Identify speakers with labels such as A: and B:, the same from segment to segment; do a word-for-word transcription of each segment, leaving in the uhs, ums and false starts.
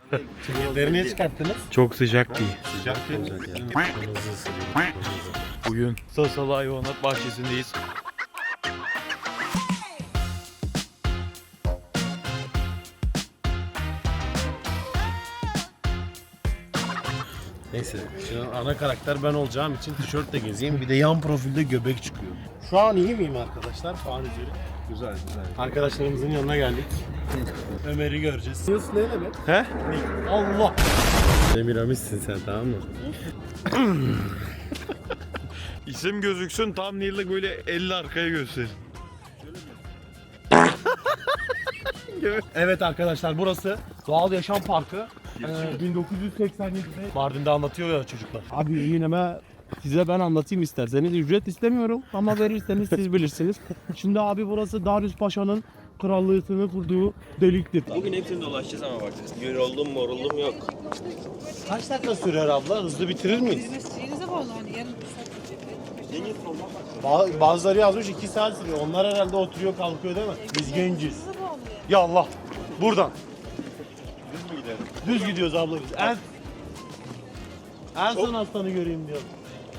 A: Çekirdeği niye çıkarttınız?
B: Çok sıcak değil.
A: Sıcak değil mi?
B: Bugün Sasalı Hayvanat Bahçesi'ndeyiz.
A: Neyse, şimdi ana karakter ben olacağım için tişörtle gezeyim. Bir de yan profilde göbek çıkıyor. Şu an iyi miyim arkadaşlar? Puan üzeri. Güzel güzel. Arkadaşlarımızın yanına geldik. Ömer'i göreceğiz. Yunus ne demek?
B: He?
A: Allah! Demiramis'sin sen, tamam mı?
B: İsim gözüksün, tam Neil'le böyle elli arkaya gösterin.
A: Evet arkadaşlar, burası Doğal Yaşam Parkı. Ee, bin dokuz yüz seksen yedide Mardin'de anlatıyor ya çocuklar.
C: Abi yine size ben anlatayım isterseniz. Ücret istemiyorum ama verirseniz siz bilirsiniz. Şimdi abi burası Darius Paşa'nın krallığını kurduğu deliktir.
D: Bugün hepsini dolaşacağız ama bak. Yoruldum moruldum yok.
A: Kaç dakika sürer abla? Hızlı bitirir miyiz?
E: Mesleğinize bağlı hani yarın
A: Ba- Bazıları yazmış iki saat sürüyor. Onlar herhalde oturuyor kalkıyor değil mi? Biz genciz. Ya Allah. Buradan. Düz mü gidelim? Düz gidiyoruz abla biz. En, en son hastanı göreyim diyorum.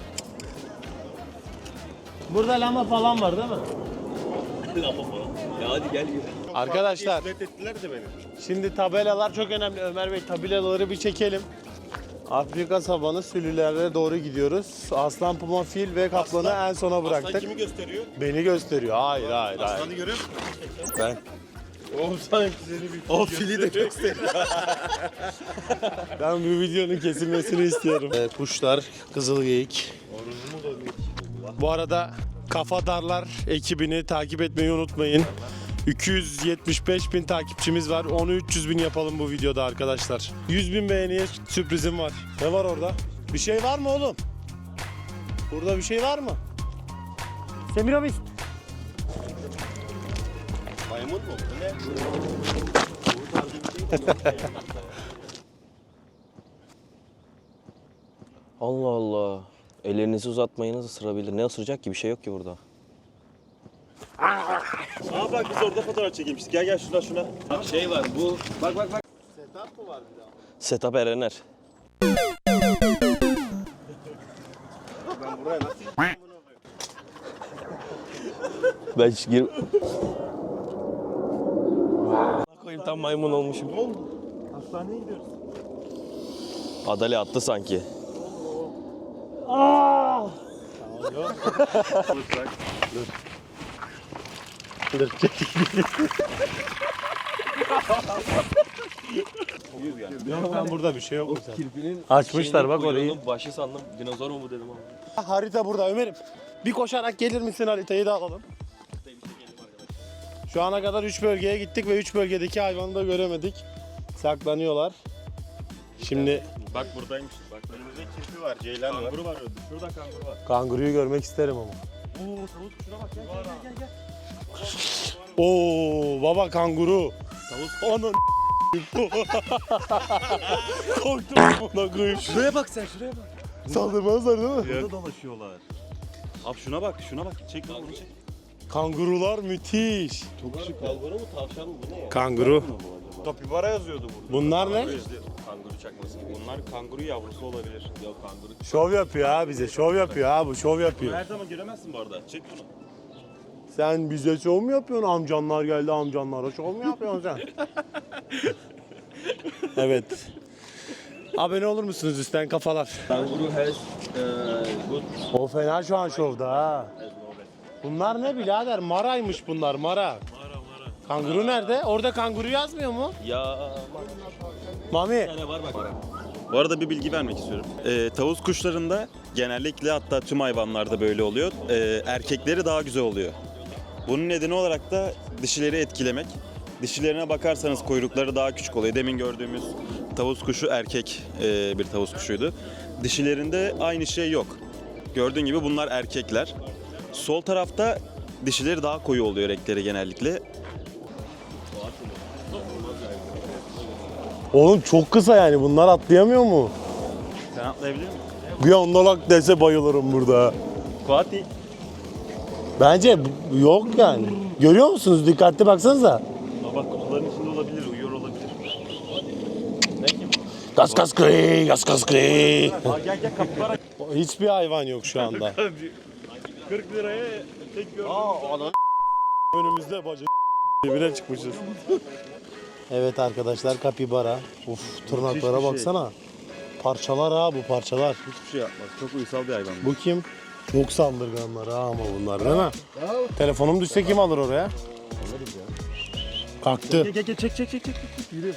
A: Burada lama falan var değil mi?
D: Lama falan. Ya hadi gel yürü.
A: Arkadaşlar.
D: ettiler de beni.
A: Şimdi tabelalar çok önemli. Ömer Bey tabelaları bir çekelim. Afrika savanı sülülere doğru gidiyoruz. Aslan, puma, fil ve kaplanı en sona bıraktık.
D: Aslan kimi gösteriyor?
A: Beni gösteriyor. Hayır hayır hayır.
D: Aslanı görüyor musun?
A: Ben.
D: Oğlum sanki seni bir
A: O fili de gösteriyor. Ben bu videonun kesilmesini istiyorum. Ee, kuşlar, kızılgeyik. Bu arada Kafa Darlar ekibini takip etmeyi unutmayın. iki yüz yetmiş beş bin takipçimiz var. Onu üç yüz bin yapalım bu videoda arkadaşlar. yüz bin beğeniye sürprizim var. Ne var orada? Bir şey var mı oğlum? Burada bir şey var mı? Semiramis.
D: maymun mu? Bu ne? Allah Allah. Ellerinizi uzatmayınız ısırabilir. Ne ısıracak ki? Bir şey yok ki burada. Aa bak biz orada fotoğraf çekilmiştik. Gel gel şuna şuna. Bak şey var bu. Bak bak bak.
A: Setup mı var bir daha?
D: Setup Erener.
A: Ben buraya nasıl
D: Ben hiç gir... koyayım tam maymun olmuşum. Ne oldu?
A: Hastaneye gidiyoruz.
D: Adale attı sanki.
A: Dur çek. Yok ben burada bir şey yok.
D: Kirpinin
A: Açmışlar bak orayı.
D: Başı sandım. Dinozor mu dedim ama.
A: Harita burada Ömer'im. Bir koşarak gelir misin, haritayı da alalım. Şu ana kadar üç bölgeye gittik ve üç bölgedeki hayvanı da göremedik. Saklanıyorlar. Şimdi
D: Bak buradaymış. Bak önümüzde kirpi var, ceylan var. Kanguru var orada. Şurada kanguru var.
A: kanguruyu görmek isterim ama.
D: Oo tavuk şuna bak gel gel gel gel.
A: Oo baba kanguru.
D: Tavuk.
A: Onun korktum buna koyayım.
D: Şuraya bak sen şuraya bak.
A: Saldırmazlar değil mi?
D: Burada dolaşıyorlar. Abi şuna bak şuna bak. Çek onu çek.
A: Kangurular müthiş.
D: Çok şık. Kanguru mu tavşan mı bu ne ya?
A: Kanguru.
D: Kapibara yazıyordu burada.
A: Bunlar ne?
D: Kanguru çakması. Bunlar kanguru yavrusu olabilir. Yok kanguru.
A: Şov yapıyor ha bize. Şov yapıyor ha bu. Şov yapıyor.
D: Her zaman göremezsin bu arada. Çek bunu.
A: Sen bize şov mu yapıyorsun? Amcanlar geldi, amcanlara şov mu yapıyorsun sen? Evet. Abone olur musunuz üstten kafalar?
D: Kanguru has good.
A: O fena şu an şovda ha. Bunlar ne birader? Maraymış bunlar, mara. Mara mara. Kanguru nerede? Orada kanguru yazmıyor mu?
D: Ya
A: Mami.
D: bir tane var bak. Bu arada bir bilgi vermek istiyorum. Ee, tavus kuşlarında genellikle hatta tüm hayvanlarda böyle oluyor. Ee, erkekleri daha güzel oluyor. Bunun nedeni olarak da dişileri etkilemek. Dişilerine bakarsanız kuyrukları daha küçük oluyor. Demin gördüğümüz tavus kuşu erkek e, bir tavus kuşuydu. Dişilerinde aynı şey yok. Gördüğün gibi bunlar erkekler. Sol tarafta dişileri daha koyu oluyor renkleri genellikle.
A: Oğlum çok kısa yani. Bunlar atlayamıyor mu?
D: Sen atlayabilir misin?
A: Bir andalak dese bayılırım burada.
D: Kuati.
A: Bence yok yani. Görüyor musunuz? Dikkatli baksanıza.
D: Bak kutuların içinde olabilir, uyuyor olabilir. Ne ki
A: Gaz gaz gri, gaz gaz gri.
B: Aa, gel gel kapibara.
A: Hiçbir hayvan yok şu anda.
B: kırk liraya tek gördüm.
A: Önümüzde bacı dibine çıkmışız. Evet arkadaşlar kapibara. Uf tırnaklara baksana. Parçalar ha bu parçalar.
B: Hiçbir şey yapmaz. Çok uysal bir hayvan.
A: Bu kim? Çok saldırganlar ha ama bunlar değil mi? Telefonum düşse kim alır oraya?
B: Alırız ya.
A: Kalktı.
B: Gel gel gel çek çek çek çek. çek. Yürü.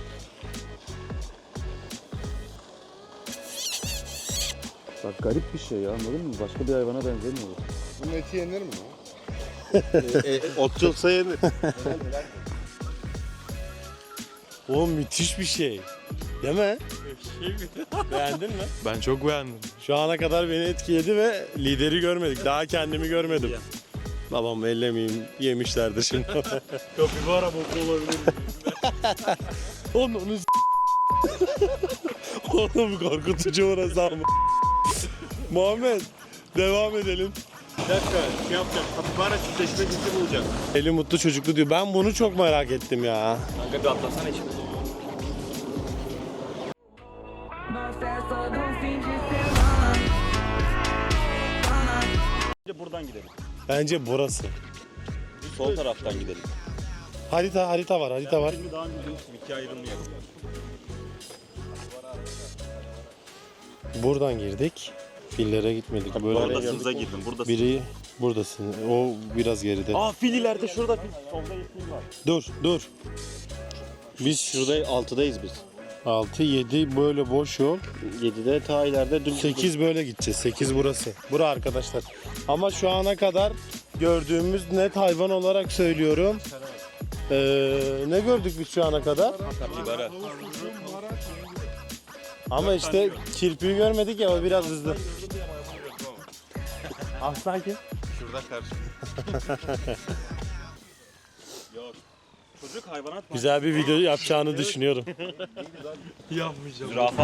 B: Bak garip bir şey ya, anladın mı? Başka bir hayvana benzemiyor.
E: Bunun eti yenir mi?
A: Otçulsa yenir. Oğlum müthiş bir şey. Değil mi? Beğendin mi?
B: Ben çok beğendim.
A: Şu ana kadar beni etkiledi ve lideri görmedik. Daha kendimi görmedim. Babam ellemeyeyim yemişlerdir şimdi.
B: Kapibara boku olabilir.
A: Oğlum onu s- Oğlum korkutucu orası ama. Muhammed devam edelim.
B: Bir dakika, şey yapacağım. Kapibara çiftleşme cinsini bulacak.
A: Eli mutlu çocuklu diyor. Ben bunu çok merak ettim ya.
B: Kanka bir atlasana içine.
D: Buradan gidelim.
A: Bence burası.
D: Sol taraftan gidelim.
A: Harita harita var harita var.
D: Şimdi daha önce demiştim, ikiye ayrılmayalım.
A: Buradan girdik. Fillere gitmedik. Böyle
D: Buradasınıza girdim. Buradasın.
A: biri buradasın. O biraz geride.
D: Aa fil ileride, şurada fil. Solda fil var.
A: Dur dur. Biz şurada
E: altıdayız biz.
A: altı yedi böyle boş yol.
E: yedide ta ileride dün
A: sekiz böyle gideceğiz. sekiz burası. Bura arkadaşlar. Ama şu ana kadar gördüğümüz net hayvan olarak söylüyorum. Ee, ne gördük biz şu ana kadar?
D: Kapibara.
A: Ama işte kirpiği görmedik ya o biraz hızlı. Aslan kim?
D: Şurada karşı. Yok. Çocuk hayvanat
A: Güzel bir video yapacağını düşünüyorum.
B: Yapmayacağım.
D: Zürafa.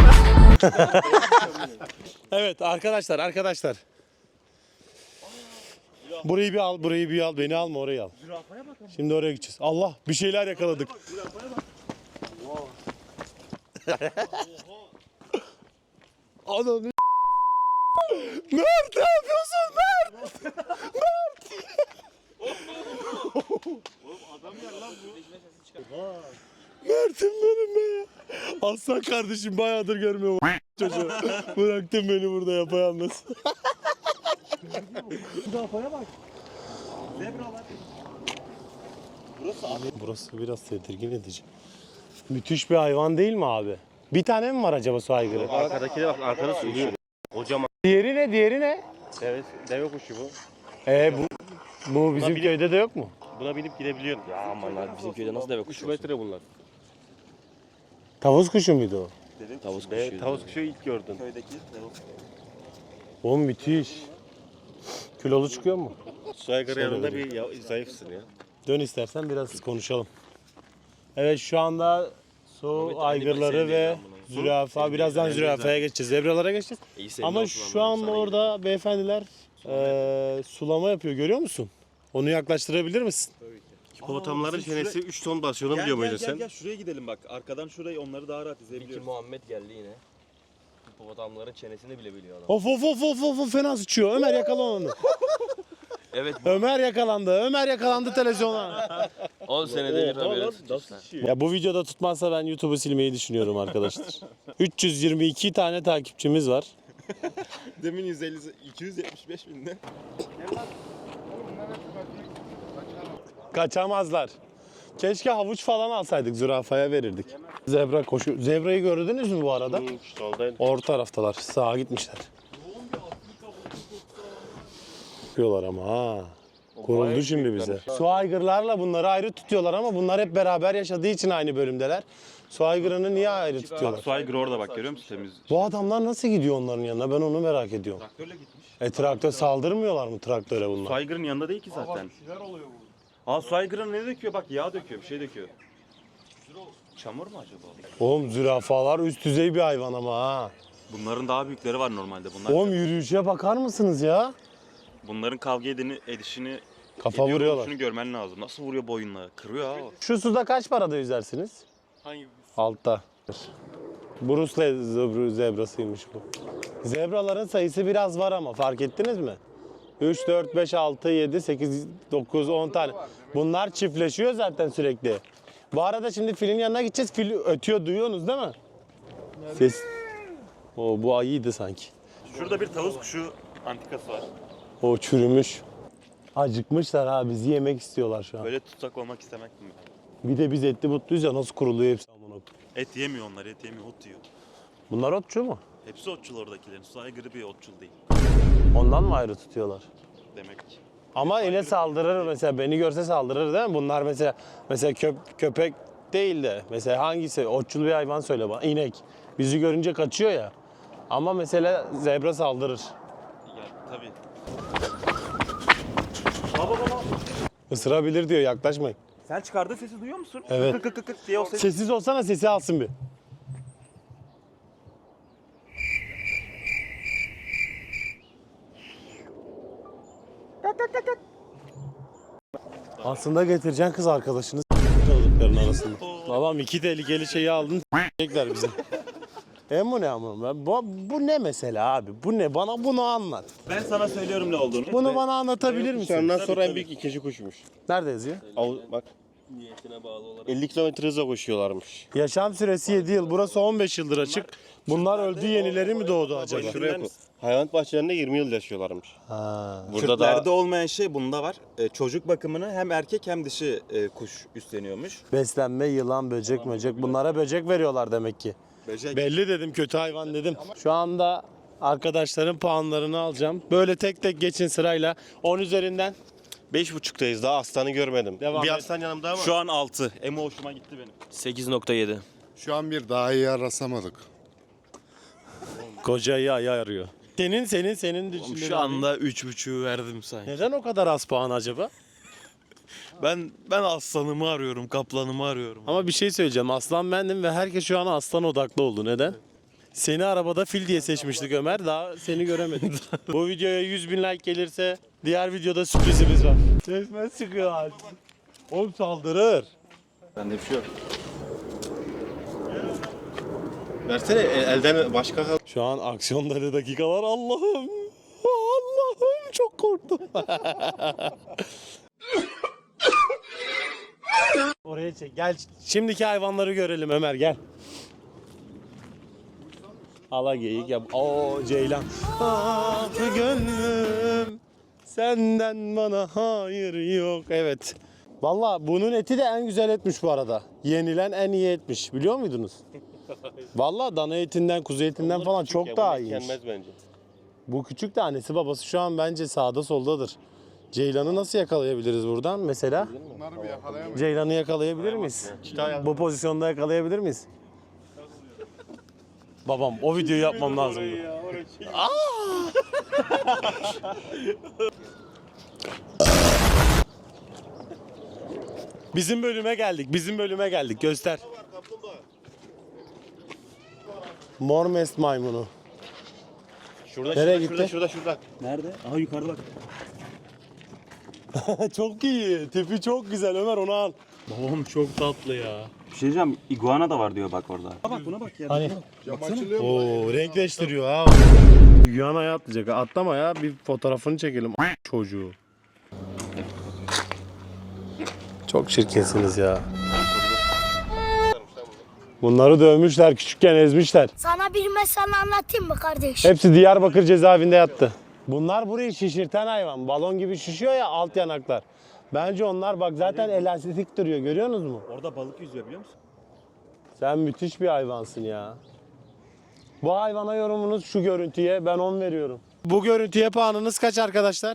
A: Evet arkadaşlar arkadaşlar. Burayı bir al, burayı bir al. Beni alma, orayı al. Şimdi oraya gideceğiz. Allah bir şeyler yakaladık. Ananı Mert ne yapıyorsun Mert? Mert! Mert'im benim be. Aslan kardeşim bayağıdır görmüyorum çocuğu. Bıraktın beni burada yapayalnız. Burası biraz tedirgin edici. Müthiş bir hayvan değil mi abi? Bir tane mi var acaba su aygırı?
E: arkadakine bak arkada sürüyor. Kocaman.
A: Diğeri ne? Diğeri ne?
E: Evet, deve kuşu bu.
A: Ee bu bu bizim
E: bile-
A: köyde de yok mu?
E: Buna binip gidebiliyorsun. Ya aman abi bizim köyde nasıl deve kuşu? üç metre bunlar.
A: Tavus kuşu muydu o?
E: Tavus kuşu. Evet, tavus kuşu ilk gördün.
D: Köydeki.
A: Oğlum müthiş. Kilolu çıkıyor mu?
E: Su aygırı
A: Şöyle
E: yanında
A: vereyim.
E: bir ya, zayıfsın ya.
A: Dön istersen biraz konuşalım. Evet şu anda su
E: Evet, aynı
A: aygırları
E: mesele
A: ve
E: değil ama.
A: zürafa. Birazdan
E: Aynı
A: zürafaya geçeceğiz. Zebralara geçeceğiz.
E: İyi senin
A: Ama
E: olsun
A: şu
E: ama
A: anda
E: sana
A: orada beyefendiler eee, sulama yapıyor. Görüyor musun? Onu yaklaştırabilir misin?
E: Hipopotamların
D: bizim
E: çenesi üç ton basıyor, onu
D: Gel
E: biliyor
D: gel
E: muydun
D: gel
E: sen?
D: gel şuraya gidelim bak. Arkadan şurayı onları daha rahat
F: İki
D: izleyebiliyoruz.
F: Muhammed geldi yine. Hipopotamların çenesini bile biliyor adam.
A: Of of of of of of, fena sıçıyor. Ömer yakala onu.
F: Evet,
A: Ömer yakalandı. Ömer yakalandı televizyona.
F: on senede bir haberi
A: Ya bu videoda tutmazsa ben YouTube'u silmeyi düşünüyorum arkadaşlar. üç yüz yirmi iki tane takipçimiz var.
D: Demin yüz elli iki yüz yetmiş beş binde.
A: Kaçamazlar. Keşke havuç falan alsaydık, zürafaya verirdik. Zebra koşu. Zebrayı gördünüz mü bu arada?
E: Hı, soldaydı.
A: Orta taraftalar. Sağa gitmişler. Yapıyorlar ama ha. Kuruldu şimdi bize. Su aygırlarla bunları ayrı tutuyorlar ama bunlar hep beraber yaşadığı için aynı bölümdeler. Su aygırını niye ayrı tutuyorlar?
D: Su aygırı orada bak, görüyor musun temiz?
A: Bu adamlar nasıl gidiyor onların yanına? Ben onu merak ediyorum.
D: Traktörle gitmiş.
A: E traktör saldırmıyorlar mı traktöre bunlar?
D: Su aygırının yanında değil ki zaten. Aa su aygırı ne döküyor? Bak yağ döküyor, bir şey döküyor. Çamur mu acaba?
A: Oğlum zürafalar üst düzey bir hayvan ama ha.
D: Bunların daha büyükleri var normalde. Bunlar
A: Oğlum yürüyüşe bakar mısınız ya?
D: bunların kavga edini, edişini
A: Kafa
D: ediyor
A: vuruyorlar.
D: oluşunu görmen lazım. Nasıl vuruyor boyunla? Kırıyor ha.
A: Şu suda kaç parada yüzersiniz?
E: Hangi?
A: Altta. Bruce Lee zebrasıymış bu. Zebraların sayısı biraz var ama fark ettiniz mi? üç, dört, beş, altı, yedi, sekiz, dokuz, on tane. Bunlar çiftleşiyor zaten sürekli. Bu arada şimdi filin yanına gideceğiz. Fil ötüyor, duyuyorsunuz değil mi? Ses. O bu ayıydı sanki.
D: Şurada bir tavus kuşu antikası var.
A: O çürümüş. Acıkmışlar ha, bizi yemek istiyorlar şu an.
D: Böyle tutsak olmak istemek mi?
A: Bir de biz etli butluyuz ya, nasıl kuruluyor hepsi amına koyayım.
D: Et yemiyor onlar, et yemiyor, ot yiyor.
A: Bunlar otçu mu?
D: Hepsi otçul oradakilerin. Su aygırı bir otçul değil.
A: Ondan mı ayrı tutuyorlar?
D: Demek ki.
A: Ama yine saldırır mesela, beni görse saldırır değil mi? Bunlar mesela mesela köp, köpek değil de mesela hangisi? Otçul bir hayvan söyle bana. İnek. Bizi görünce kaçıyor ya. Ama mesela zebra saldırır.
D: Ya tabii.
A: Isırabilir diyor, yaklaşmayın.
D: Sen çıkardığı sesi duyuyor musun?
A: Evet.
D: Kık kık kık kık diye o ses.
A: Sessiz olsana, sesi alsın bir. Aslında getireceksin kız arkadaşını çocukların arasında. Babam iki tehlikeli şeyi aldın s**ecekler bize. E bu ne ama? Ben- Bu, bu ne mesela abi? Bu ne? Bana bunu anlat.
D: Ben sana söylüyorum ne olduğunu.
A: Bunu bana anlatabilir misin?
F: Ondan sonra en büyük ikinci kuşmuş.
A: Nerede yazıyor?
F: Av, bak
E: Niyetine bağlı olarak.
F: elli kilometre hızla koşuyorlarmış.
A: Yaşam süresi yedi yıl. Burası on beş yıldır açık. Bunlar öldü, yenileri mi doğdu acaba?
F: Şuraya koy. Hayvanat bahçelerinde yirmi yıl yaşıyorlarmış.
A: Ha.
F: Burada
D: Kürtlerde
F: da
D: olmayan şey bunda var. Ee, çocuk bakımını hem erkek hem dişi e, kuş üstleniyormuş.
A: Beslenme, yılan, böcek, böcek. Bunlara böcek veriyorlar demek ki.
D: Böcek.
A: Belli dedim, kötü hayvan dedim. Şu anda arkadaşların puanlarını alacağım. Böyle tek tek geçin sırayla. on üzerinden.
F: beş buçuktayız, daha aslanı görmedim.
A: Devam
F: bir
A: et.
F: aslan yanımda ama.
D: Şu an altı. Emo hoşuma gitti benim.
E: sekiz nokta yedi.
G: Şu an bir daha iyi rastlamadık.
A: Kocayı ayı arıyor. Senin, senin, senin düşündüğün
H: Şu
A: abi.
H: anda üç buçuğu verdim sanki.
A: Neden o kadar az puan acaba?
H: Ben ben aslanımı arıyorum, kaplanımı arıyorum.
A: Ama bir şey söyleyeceğim. Aslan bendim ve herkes şu an aslan odaklı oldu. Neden? Seni arabada fil diye seçmiştik Ömer. Daha seni göremedik. Bu videoya yüz bin like gelirse diğer videoda sürprizimiz var. Sesmez çıkıyor abi. Oğlum saldırır.
F: Bende bir şey yok. Versene el- elden başka kal.
A: Şu an aksiyonları dakikalar. Allah'ım. Allah'ım çok korktum. Oraya çek. Gel. Şimdiki hayvanları görelim Ömer, gel. Ala geyik yap. Oo ceylan. Ah gönlüm. Senden bana hayır yok. Evet. Vallahi bunun eti de en güzel etmiş bu arada. Yenilen en iyi etmiş. Biliyor muydunuz? Vallahi dana etinden, kuzu etinden falan
F: Küçük
A: çok
F: ya,
A: daha
F: bu
A: iyiymiş.
F: yenmez bence.
A: Bu küçük de annesi babası şu an bence sağda soldadır. Ceylan'ı nasıl yakalayabiliriz buradan mesela?
G: Bunları bir yakalayamayız.
A: Ceylan'ı yakalayabilir miyiz? Bu pozisyonda yakalayabilir miyiz? Babam o videoyu yapmam lazım. Bizim bölüme geldik. Bizim bölüme geldik. Göster. Mormest maymunu.
F: Şurada,
A: Nereye
F: şurada,
A: gitti?
F: şurada, şurada, şurada.
D: Nerede? Aha yukarıda bak.
A: Çok iyi. Tipi çok güzel Ömer, onu al.
H: Babam çok tatlı ya.
D: Bir şey diyeceğim. Iguana da var diyor bak orada. Bak buna bak ya.
A: Hani?
G: Cam açılıyor mu?
A: Oo, renkleştiriyor ha. Yuyana'ya atlayacak. Atlama ya, bir fotoğrafını çekelim çocuğu. Çok çirkinsiniz ya. Bunları dövmüşler, küçükken ezmişler.
I: Sana bir mesele anlatayım mı kardeş?
A: Hepsi Diyarbakır cezaevinde yattı. Bunlar burayı şişirten hayvan. Balon gibi şişiyor ya alt yanaklar. Bence onlar bak zaten elastik duruyor, görüyorsunuz mu?
D: Orada balık yüzüyor biliyor musun?
A: Sen müthiş bir hayvansın ya. Bu hayvana yorumunuz şu görüntüye, ben on veriyorum. Bu görüntüye puanınız kaç arkadaşlar?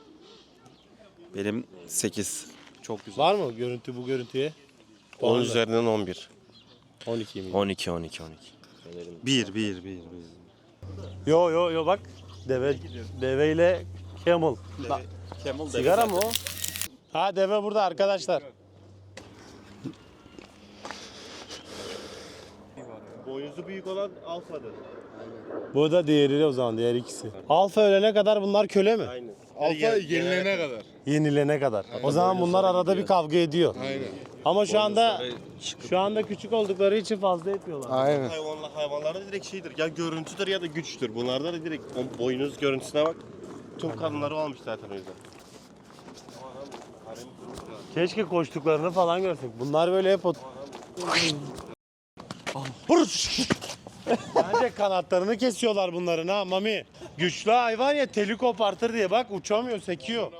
D: Benim sekiz. Çok güzel.
A: Var mı görüntü bu görüntüye?
F: on
A: Puan da.
F: üzerinden on bir.
A: on iki mi?
E: on iki on iki on iki.
D: Bir, bir, bir, bir.
A: Yo yo yo bak. Deve deveyle camel. Bak,
D: Camel
A: sigara mı o? Ha deve burada arkadaşlar.
F: Boyuzu büyük olan alfadır.
A: Bu da diğeri o zaman, diğer ikisi. Alfa ölene kadar bunlar köle mi?
F: Aynen.
G: Alfa yenilene kadar.
A: Yenilene kadar. O zaman bunlar arada bir kavga ediyor.
G: Aynen.
A: Ama şu anda
F: Boynuzları çıkıp-
A: şu anda küçük oldukları için fazla etmiyorlar.
G: Aynen.
J: Hayvanlar, hayvanlarda direkt şeydir. Ya görüntüdür ya da güçtür. Bunlarda da direkt o boynuz görüntüsüne bak. Tüm kanunları almış zaten o yüzden.
A: Keşke koştuklarını falan görsek. Bunlar böyle hep ot... Bence kanatlarını kesiyorlar bunların ha Mami. Güçlü hayvan ya, teli kopartır diye bak uçamıyor, sekiyor.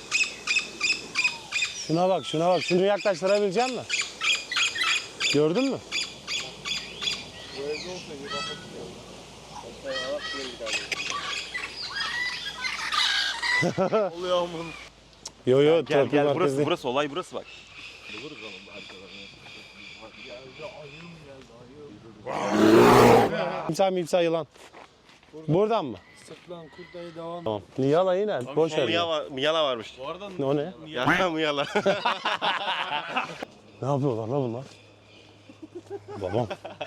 A: Şuna bak, şuna bak. Şunu yaklaştırabilecek misin? Gördün mü? Yo yo,
D: Gel
A: torpil
D: gel burası
A: merkezi.
D: burası olay burası bak.
A: Timsah mimsah yılan. Buradan mı?
G: Sırtlan kurtayı devam.
A: Tamam. Niyala yine. Boş ver.
J: Miyala, var, miyala varmış.
A: O ne?
J: Ya miyala.
A: Ne yapıyorlar la bunlar? Babam.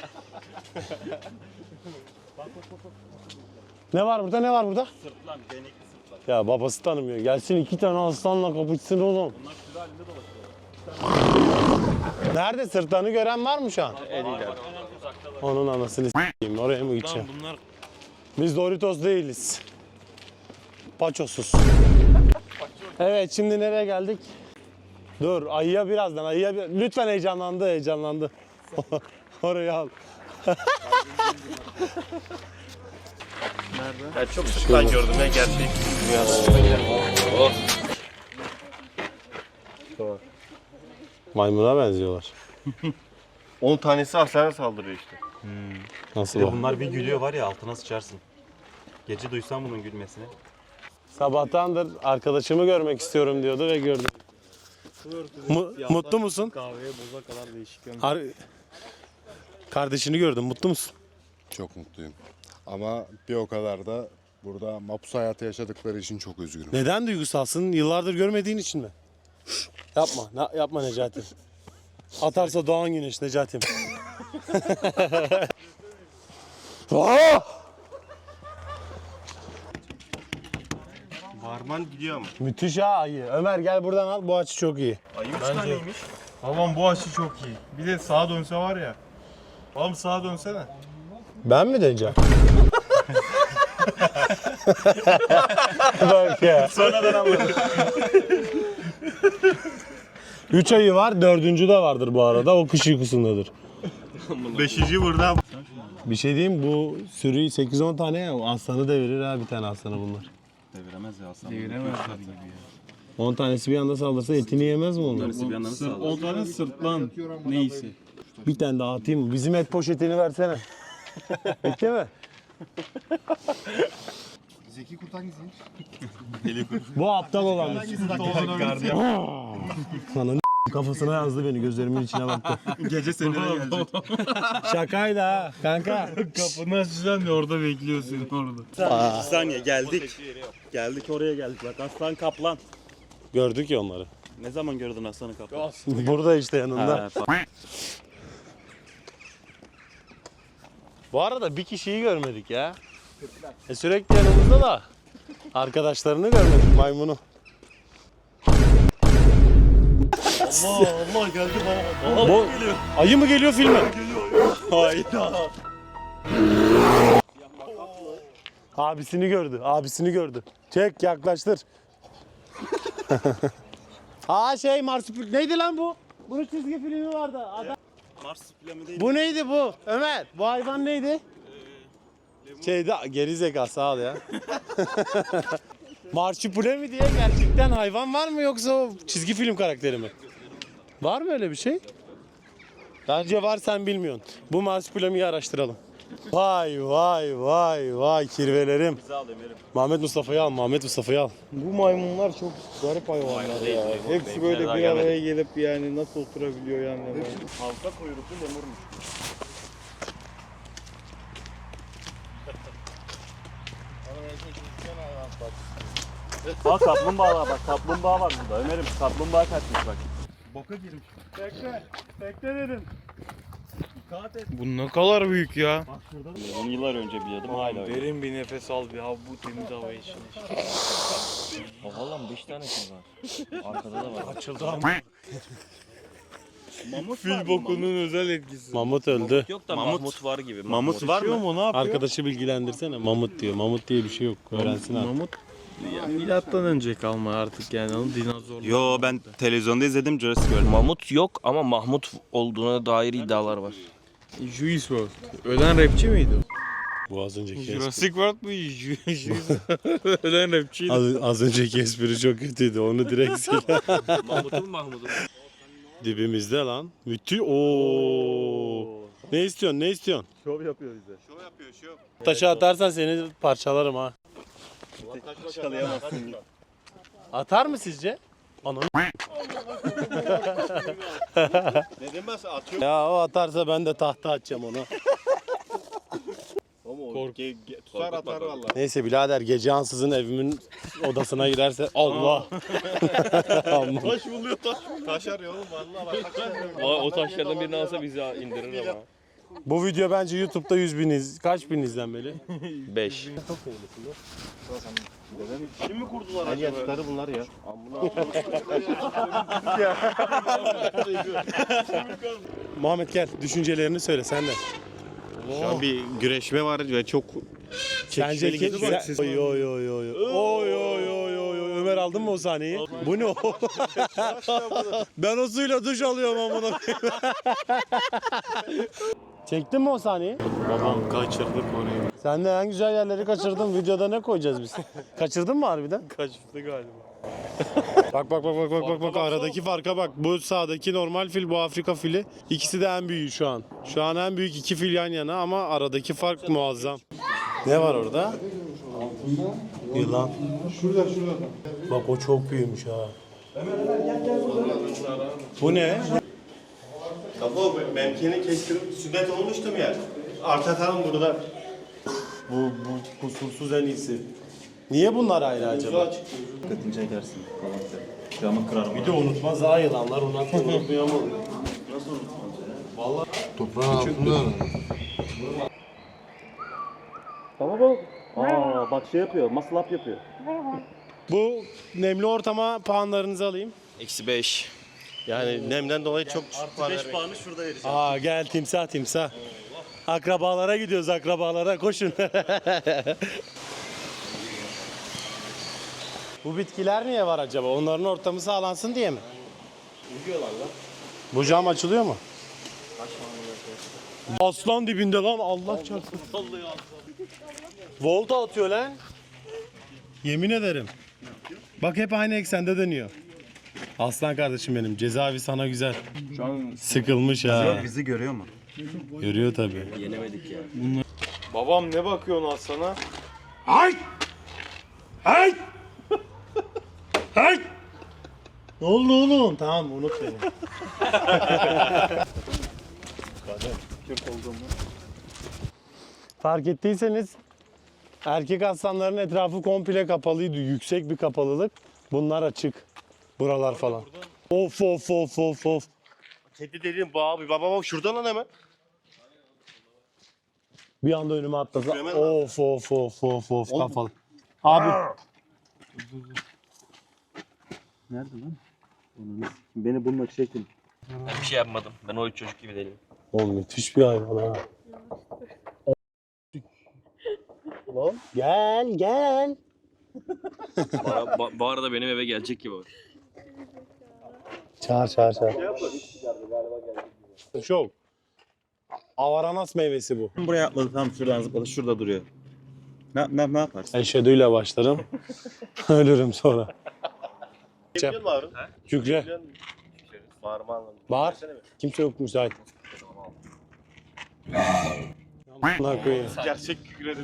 A: Ne var burada, ne var burada?
D: Sırtlan, denekli sırtlan.
A: Ya babası tanımıyor. Gelsin iki tane aslanla kapışsın oğlum.
D: Bunlar sürü halinde dolaşıyor.
A: Nerede? Sırtlanı gören var mı şu an?
D: En ileride.
A: Onun anasını s**eyim. Oraya mı gideceğim?
H: Bunlar
A: Biz Doritos değiliz. Paçosuz. Evet, şimdi nereye geldik? Dur, ayıya birazdan. Ayıya bir... Lütfen heyecanlandı, heyecanlandı. Orayı al.
J: Ya çok sırtlan gördüm ya gerçek.
A: Maymuna benziyorlar.
J: on tanesi aslana saldırıyor işte.
A: Nasıl
D: Bir de
A: o?
D: bunlar bir gülüyor var ya, altına sıçarsın. Gece duysan bunun gülmesini.
A: Sabahtandır arkadaşımı görmek istiyorum diyordu ve gördüm. Mu- mutlu musun?
G: Kahveye boza kadar değişik.
A: Ar- Kardeşini gördüm, mutlu musun?
G: Çok mutluyum. Ama bir o kadar da burada mapus hayatı yaşadıkları için çok üzgünüm.
A: Neden duygusalsın? Yıllardır görmediğin için mi? Yapma, na- yapma Necati. Atarsa doğan güneş Necati'm. Aa!
J: Varman gidiyor ama.
A: Müthiş ha ayı. Ömer gel buradan al, bu açı çok iyi.
J: Ayı üç taneymiş.
H: Babam bu açı çok iyi. Bir de sağa dönse var ya. Babam sağa dönsene.
A: Ben mi döneceğim? Bak ya.
D: Sonradan anladım.
A: Üç ayı var, dördüncü de vardır bu arada. O kış uykusundadır.
J: Beşinci burada.
A: Bir şey diyeyim, bu sürü sekiz on tane ya, aslanı devirir ha, bir tane aslanı bunlar.
D: Deviremez ya aslan.
A: on tanesi bir anda saldırsa etini yemez mi onlar?
D: Bir yandan sağ
H: on tane sırtlan neyse.
A: Bir tane daha atayım mı? Bizim et poşetini versene. Bitti mi?
G: Zeki Kurt hangisiymiş?
A: Bu aptal olan. Sana n- kafasına yazdı beni, gözlerimin içine baktı.
H: Gece seninle gelecek.
A: Şakaydı ha kanka.
H: Kapını açacaksın ya, orada bekliyor seni orada.
D: Bir saniye geldik. Geldik oraya geldik bak, aslan kaplan.
A: Gördük ya onları.
D: Ne zaman gördün aslanı kaplan?
A: Burada işte yanında.
D: Ha, fa-
A: Bu arada bir kişiyi görmedik ya. E sürekli yanımızda da arkadaşlarını görmedik, maymunu.
J: Allah Allah geldi bana.
A: Bu ayı mı geliyor filme?
J: Hayda.
A: Abisini gördü, abisini gördü. Çek, yaklaştır. Aa şey Marsupil neydi lan bu? Bunun çizgi filmi vardı. Adam...
D: Mars planı değil.
A: Bu neydi bu? Ömer, bu hayvan neydi? Şeyde geri zeka sağ ol ya. Marsupilami diye gerçekten hayvan var mı yoksa o çizgi film karakteri mi? Var mı öyle bir şey? Bence var, sen bilmiyorsun. Bu Marsupilami'yi araştıralım. Vay vay vay vay kirvelerim.
D: Bizi al Ömer'im.
A: Mehmet Mustafa'yı al, Mehmet Mustafa'yı al.
G: Bu maymunlar çok garip hayvanlar ya. Hepsi böyle bir araya gelip yani nasıl oturabiliyor yani.
D: Halka kuyruklu lemurmuş. Bak kaplumbağa bak, kaplumbağa var burada Ömer'im, kaplumbağa kaçmış bak.
H: Boka girmiş.
A: Bekle, bekle dedim.
H: Bu ne kadar büyük ya.
D: on yıllar önce biliyordum hala öyle.
H: Derin bir nefes al bir abi bu temiz hava için.
E: Oha lan beş tane şey var. Arkada da var.
A: Açıldı ama.
H: Fil bokunun özel etkisi.
A: Mamut öldü.
E: Yok da
D: Mamut.
E: Mahmut var gibi.
D: Mamut var mı?
H: mu ne yapıyor?
A: Arkadaşı bilgilendirsene. Mamut diyor. Mamut diye bir şey yok. Öğrensin abi.
H: Mamut ya, milattan önce kalma artık yani onun dinozorlu.
D: Yo ben televizyonda izledim Jurassic World.
E: Mamut yok ama Mahmut olduğuna dair iddialar var.
H: Juice world. Ölen rapçi miydi o?
A: Bu az önceki espri.
H: Jurassic World mu? Juice Ölen rapçiydi.
A: Az, az önceki espri çok kötüydü. Onu direkt sil.
E: Mahmut'un Mahmut'un.
A: Dibimizde lan. Müthiş. Oo. Ne istiyorsun? Ne istiyorsun?
J: Şov yapıyor bize. Şov yapıyor şov.
A: Taşı atarsan seni parçalarım ha.
J: Yakalayamazsın.
A: Atar mı sizce? Ananı.
J: Neden ben atıyor?
A: Ya o atarsa ben de tahta atacağım ona.
J: Kork. Tutar atar valla.
A: Neyse birader gece ansızın evimin odasına girerse Allah. Allah.
J: Taş buluyor taş. Taş arıyor oğlum valla bak.
E: O, o taşlardan birini alsa bizi indirir ama.
A: Bu video bence YouTube'da yüz bin iz, kaç bin izlenmeli?
E: beş.
J: Kim mi kurdular acaba? Yatıkları bunlar ya.
A: Muhammed gel düşüncelerini söyle sen de.
J: Şu an bir güreşme var ve çok
A: Sence
J: çekişmeli
A: kim?
J: geçiyor.
A: Sen... Oy oy oy oy. Oy oy oy oy oy. Ömer aldın mı o sahneyi? Bu ne o? Ben o suyla duş alıyorum amına koyayım. Çektin mi o sahneyi?
H: Babam kaçırdık orayı.
A: Sen de en güzel yerleri kaçırdın. Videoda ne koyacağız biz? Kaçırdın mı harbiden?
H: Kaçtı galiba.
A: Bak bak bak bak bak bak bak aradaki farka bak. Bu sağdaki normal fil, bu Afrika fili. İkisi de en büyüğü şu an. Şu an en büyük iki fil yan yana ama aradaki fark muazzam. Ne var orada? Yılan. Şurada şurada. Bak o çok büyümüş ha. Bu ne?
J: Kafa memkeni kestirip sünnet olmuştum ya. Artatalım burada.
A: Bu, bu kusursuz en iyisi. Niye bunlar ayrı acaba?
D: Dikkatini çekersin. Camı kırar.
A: Bir de unutmaz ha yılanlar. Onlar da unutmuyor ama.
G: Toprağın altında
B: Baba bak. Aa bak şey yapıyor. Muscle up yapıyor.
A: Bu nemli ortama puanlarınızı alayım.
D: Eksi beş.
J: Yani nemden dolayı çok düşük var.
D: beş puanı şurada vereceğim.
A: Aa gel timsah timsah. Akrabalara gidiyoruz akrabalara koşun. Bu bitkiler niye var acaba? Onların ortamı sağlansın diye mi? Bu cam açılıyor mu? Aslan dibinde lan Allah çarpsın. Volta atıyor lan. Yemin ederim. Bak hep aynı eksende dönüyor. Aslan kardeşim benim. Cezaevi sana güzel. Sıkılmış ha.
D: Bizi görüyor mu?
A: Görüyor tabii.
E: Yenemedik ya.
H: Babam ne bakıyorsun aslana?
A: Ay! Ay! Ay! Ne oldu oğlum? Tamam unut beni. Fark ettiyseniz erkek aslanların etrafı komple kapalıydı. Yüksek bir kapalılık. Bunlar açık. Buralar falan. Of of of of of.
J: Kedi dediğim bu abi. Baba bak şurada lan hemen.
A: Bir anda önüme atladı.
J: Hemen lan.
A: Of of of of of kafalı. Abi
B: Nerede lan? Beni bununla çekin.
E: Ben bir şey yapmadım. Ben o üç çocuk gibi değilim.
A: oğlum müthiş bir hayvan ha. Lan gel gel.
E: Bana, ba- bu arada benim eve gelecek gibi.
A: Çağır çağır çağır. Çok. Avaranas meyvesi bu.
D: Buraya atladı tam şuradan zıpladı. Şurada duruyor. Ne, ne, ne yaparsın?
A: Eşhedüyle başlarım. Ölürüm sonra.
J: Biliyor musun abi?
A: Kükre.
J: Biliyor musun? Bağırma anlamında.
A: Bağır. Kimse yok müsait. Amına koyayım.
J: Gerçek kükredim.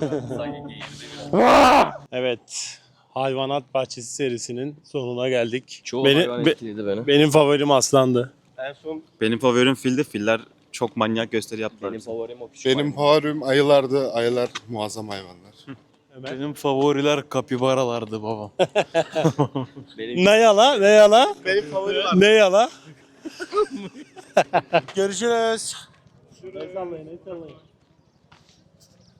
A: Evet. Hayvanat Bahçesi serisinin sonuna geldik.
E: Çoğu
A: Beni-
E: hayvan
A: be-
E: etkiledi beni.
A: Benim favorim aslandı.
J: En son
D: Benim favorim fildi. Filler çok manyak gösteri yaptılar.
E: Benim
D: bize.
E: favorim o küçük
G: Benim
E: hayvan.
G: favorim ayılardı. Ayılar muazzam hayvanlar.
H: Benim favoriler kapibaralardı babam.
E: Benim
A: Ne yala? Ne yala?
J: benim favorim abi.
A: Ne yala? Görüşürüz. El sallayın, el sallayın.